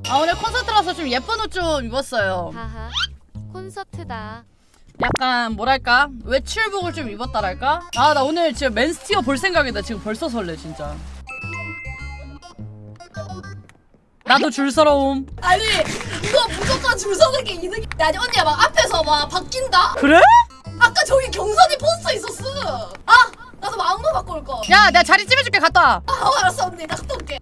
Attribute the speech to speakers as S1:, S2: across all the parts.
S1: 아 오늘 콘서트라서 좀 예쁜 옷 좀 입었어요.
S2: 하하. 콘서트다.
S1: 약간 뭐랄까 외출복을 좀 입었다랄까? 아 나 오늘 진짜 맨스티어 볼 생각이다. 지금 벌써 설레 진짜. 나도 줄서러움.
S3: 아니 이거 무조건 줄 서는 게 이득이. 아니 언니야 막 앞에서 막 바뀐다.
S1: 그래?
S3: 아까 저기 경선이 포스터 있었어. 아 나도 마음도 바꿔 올 거.
S1: 야 내가 자리 찜해줄게. 갔다 와.
S3: 아 알았어 언니 나 갔다 올게.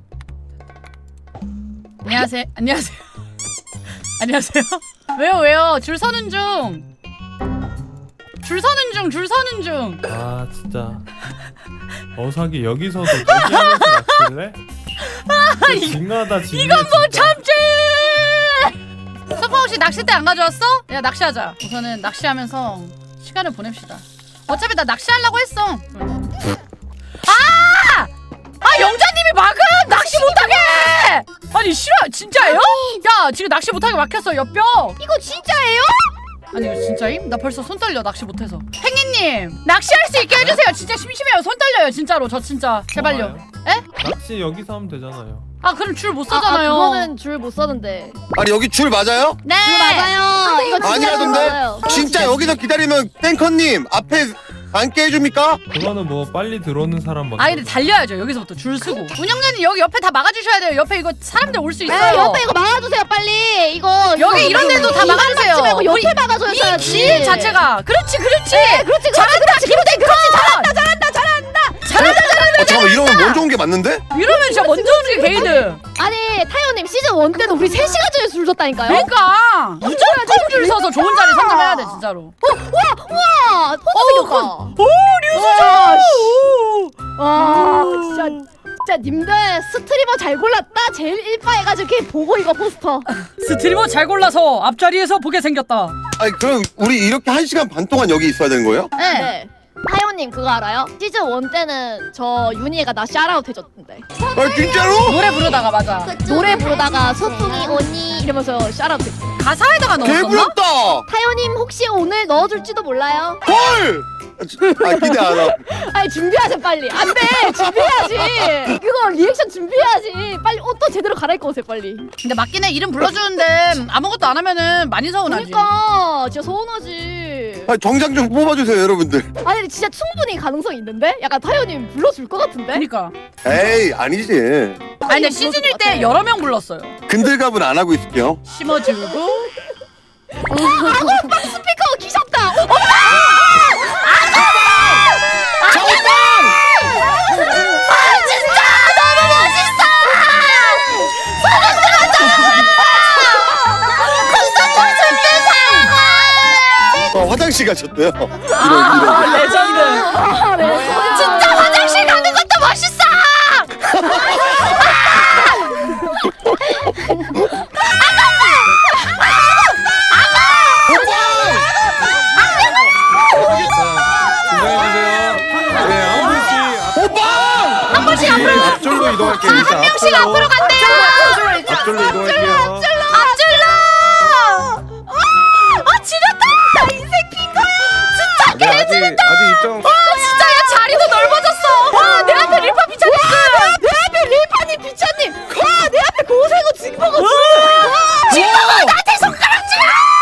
S1: 안녕하세요. 안녕하세요. 안녕하세요. 왜요? 줄 서는 중. 줄 서는 중.
S4: 아 진짜 어사기 여기서도 대기하면서 낚시를 해? 징하다 징해.
S1: 이건 못 참지. 소파 혹시 낚싯대 안 가져왔어? 야 낚시하자. 우선은 낚시하면서 시간을 보냅시다. 어차피 나 낚시하려고 했어. 아 영자님이 막음 낚시 못하게. 아니 싫어 진짜예요? 야 지금 낚시 못하게 막혔어 옆벽.
S2: 이거 진짜예요?
S1: 아니 이거 진짜임? 나 벌써 손 떨려 낚시 못해서. 행이님 낚시할 수 있게 해주세요. 진짜 심심해요. 손 떨려요 진짜로. 저 진짜 제발요. 에?
S4: 낚시 여기서 하면 되잖아요.
S1: 아 그럼 줄 못 서잖아요.
S2: 그거는 줄 못 서는데.
S5: 아니 여기 줄 맞아요?
S1: 네.
S2: 줄 맞아요. 이거 진짜 줄
S5: 아니라던데?
S2: 맞아요.
S5: 진짜 여기서 기다리면 탱커님 앞에 앉게 해줍니까?
S4: 그거는 뭐 빨리 들어오는 사람밖에.
S1: 아 근데 달려야죠. 여기서부터 줄 서고. 운영자님 여기 옆에 다 막아주셔야 돼요. 옆에 이거 사람들 올 수
S2: 에
S1: 있어요.
S2: 옆에 이거 막아주세요 빨리. 이거
S1: 여기 이런 데도 다 막아주세요.
S2: 말고 옆에
S1: 우리
S2: 막아줘야지.
S1: 길 자체가. 그렇지.
S2: 그렇지
S1: 잘한다 김대건. 잘한다.
S5: 잠깐만 이러면 먼저 온 게 맞는데?
S1: 이러면 진짜 먼저 오는 게 게이드.
S2: 아니 타요님 시즌 1 때는 우리 3시간 전에 줄 섰다니까요.
S1: 그러니까 무조건 줄 서서 좋은 자리 선점해야 돼 진짜로.
S2: 우와 포즈 생겼다.
S1: 오 류수정.
S2: 와 진짜 님들 스트리머 잘 골랐다. 제일 일파해가지고 걔 보고 이거 포스터.
S1: 스트리머 잘 골라서 앞자리에서 보게 생겼다.
S5: 아니 그럼 우리 이렇게 1시간 반 동안 여기 있어야 되는 거예요?
S2: 네. 타요님 그거 알아요? 시즌 1 때는 저 윤희애가 나 샤라웃 해줬는데.
S5: 아 진짜로?
S1: 노래 부르다가 맞아.
S2: 노래 부르다가 소풍이 언니 이러면서 샤라웃 했어.
S1: 가사에다가 넣었었나?
S5: 개부럽다!
S2: 타요님 혹시 오늘 넣어줄지도 몰라요?
S5: 헐! 아 기대 안 하고.
S2: 아니 준비하세요 빨리. 안돼 준비해야지. 그거 리액션 준비해야지. 빨리 옷도 제대로 갈아입고 오세요 빨리.
S1: 근데 맞긴 해. 이름 불러주는데 아무것도 안 하면은 많이 서운하지.
S2: 그러니까 진짜 서운하지.
S5: 아, 정장 좀 뽑아주세요 여러분들.
S2: 아니 근데 진짜 충분히 가능성 있는데? 약간 타요님 불러줄 것 같은데?
S1: 그니까.
S5: 에이 아니지.
S1: 아니 근데 시즌일 때 여러 명 불렀어요.
S5: 근들갑은 안 하고 있을게요.
S1: 심어주고.
S2: 아고빵 스피커 기셨다.
S5: 화장실 가셨대요. 이런.
S1: 레전드.
S2: 진짜 화장실 가는 것도 멋있어.
S4: 긴장해주세요. 네,
S1: 한 번씩 앞으로.
S4: 앞줄로 이동할게요.
S1: 한 명씩 앞으로 간대요.
S4: 앞줄로 이동할게요.
S1: 앞줄로. 아 지렸다. 나 인생 핀 거야. 진짜
S4: 네, 아직 입장.
S1: 진짜 야 자리도 넓어졌어. 와 내 앞에 릴파 비차님.
S2: 내 앞에 릴파님 비차님. 와, 내 앞에 고생고 징버거.
S1: 지금은 나한테 손가락질.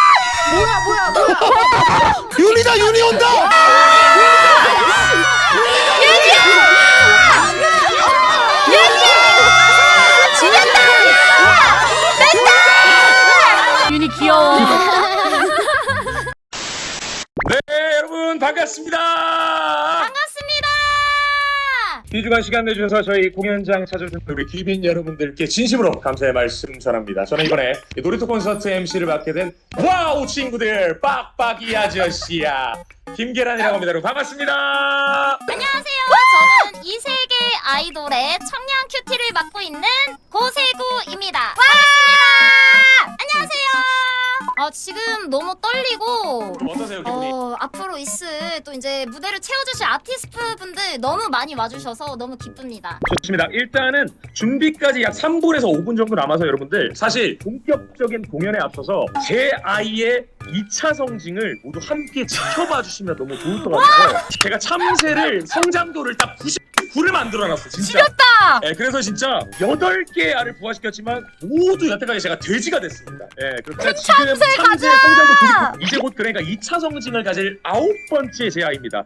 S5: 윤이다 윤이 온다.
S1: 윤이 귀여워.
S6: 네 여러분 반갑습니다. 귀중한 시간 내주셔서 저희 공연장 찾아주신 우리 귀빈 여러분들께 진심으로 감사의 말씀 전합니다. 저는 이번에 놀이터 콘서트 MC를 맡게 된 와우 친구들 빡빡이 아저씨야 김계란이라고 합니다. 여러분 반갑습니다.
S7: 안녕하세요. 저는 이 세계 아이돌의 청량 큐티를 맡고 있는 고세구입니다. 반갑습니다. 안녕하세요. 지금 너무 떨리고
S6: 어떠세요 기분이?
S7: 앞으로 있을 또 이제 무대를 채워주실 아티스트 분들 너무 많이 와주셔서 너무 기쁩니다.
S6: 좋습니다. 일단은 준비까지 약 3분에서 5분 정도 남아서 여러분들 사실 본격적인 공연에 앞서서 제 아이의 2차 성징을 모두 함께 지켜봐 주시면 너무 좋을 것 같아서 제가 참새를 성장도를 딱 불을 만들어놨어 진짜.
S1: 지렸다.
S6: 예, 그래서 진짜 8개의 알을 부화시켰지만 모두 여태까지 제가 돼지가 됐습니다. 예, 그래서 지금 참새 성장도 그리고 이제 곧 그러니까 2차 성징을 가질 9번째 제 아이입니다.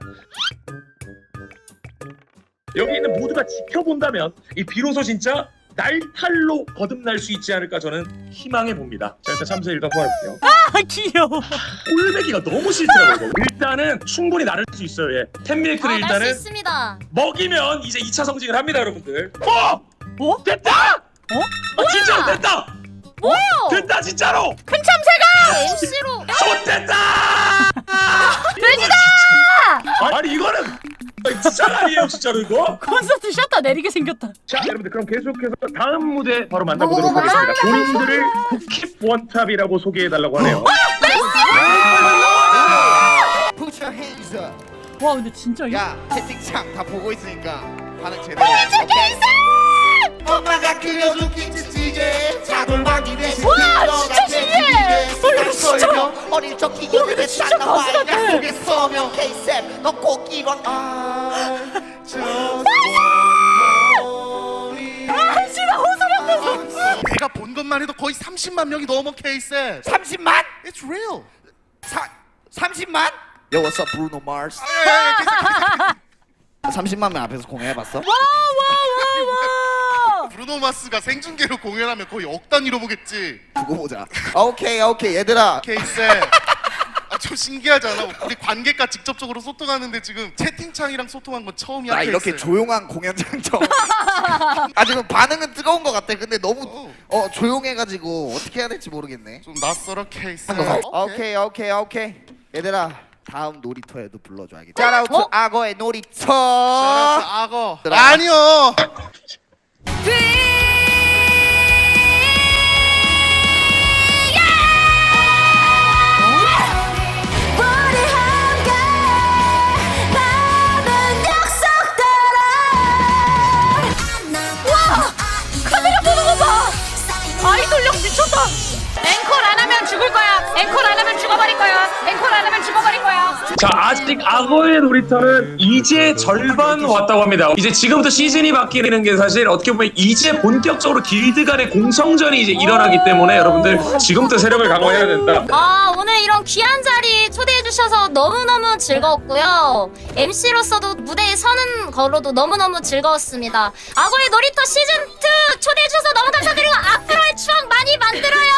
S6: 여기 있는 모두가 지켜본다면 이 비로소 진짜 날탈로 거듭날 수 있지 않을까 저는 희망해 봅니다. 자, 일단 참새 일단 구해볼게요.
S1: 아 귀여워.
S6: 꼴배기가 너무 싫더라고요. 일단은 충분히 나를 수 있어요. 예. 템밀크를
S7: 날수
S6: 일단은
S7: 있습니다. 먹이면
S6: 이제 2차 성징을 합니다, 여러분들.
S1: 뭐?
S6: 됐다!
S1: 어?
S6: 진짜로 됐다!
S7: 뭐요?
S6: 됐다 진짜로!
S1: 큰 참새가
S7: MC로
S6: 좋됐다!
S1: 돼지다.
S6: 아니 이거는 진짜 아니에요 진짜로 이거?
S1: 콘서트 셔터 내리게 생겼다.
S6: 자 여러분들 그럼 계속해서 다음 무대 바로 만나보도록 하겠습니다. 본인들을 국힙 원탑이라고 소개해달라고 하네요.
S8: Put your hands up.
S1: 와 근데 진짜 이거
S8: 야 채팅창 다 보고 있으니까 반응 제대로. 오케이. 엄마가 그려준 김치찌개 자돌박이 대신
S1: 와, 진짜 신기해. 이거 진짜.
S8: 어릴 적 기억에
S1: 진짜 가수 같아.
S8: 약속에 서명 K-쌤 너 꼭 이건
S1: 진짜 호소력 내서.
S9: 내가 본 것만 해도 거의 30만 명이 넘어 케이스.
S8: 30만?
S9: It's real.
S8: 30만? Yo what's up Bruno Mars 30만 명 앞에서 공연해봤어?
S1: 와와와와.
S9: 브루노 마스가 생중계로 공연하면 거의 억 단위로 보겠지.
S8: 두고 보자. 오케이 얘들아.
S9: 케이스. 좀 신기하지 않아? 우리 관객과 직접적으로 소통하는데 지금 채팅창이랑 소통한 건 처음이야.
S8: 나
S9: 케이스.
S8: 이렇게 조용한 공연장 처음. 지금 반응은 뜨거운 것 같아. 근데 너무 조용해가지고 어떻게 해야 될지 모르겠네.
S9: 좀 낯설어 케이스.
S8: 오케이. 얘들아 다음 놀이터에도 불러줘야겠다. 샤라우트 악어의 놀이터.
S9: 샤라우트 악어.
S8: 들어가.
S9: 아니요.
S1: 카메라 보는 거 봐. 아이돌력 미쳤다. 앵콜 안 하면 죽을 거야. 앵콜 안 하면 죽어버릴 거야. 앵콜 안 하면 죽어버릴 거야.
S6: 자 아직 악어의 놀이터는 이제 절반 왔다고 합니다. 이제 지금부터 시즌이 바뀌는 게 사실 어떻게 보면 이제 본격적으로 길드 간의 공성전이 이제 일어나기 때문에 여러분들 지금부터 세력을 강화해야 된다.
S7: 오늘 이런 귀한 자리 초대해 주셔서 너무너무 즐거웠고요. MC로서도 무대에 서는 거로도 너무너무 즐거웠습니다. 악어의 놀이터 시즌2 초대해 주셔서 너무 감사드리고 앞으로의 추억 많이 만들어요.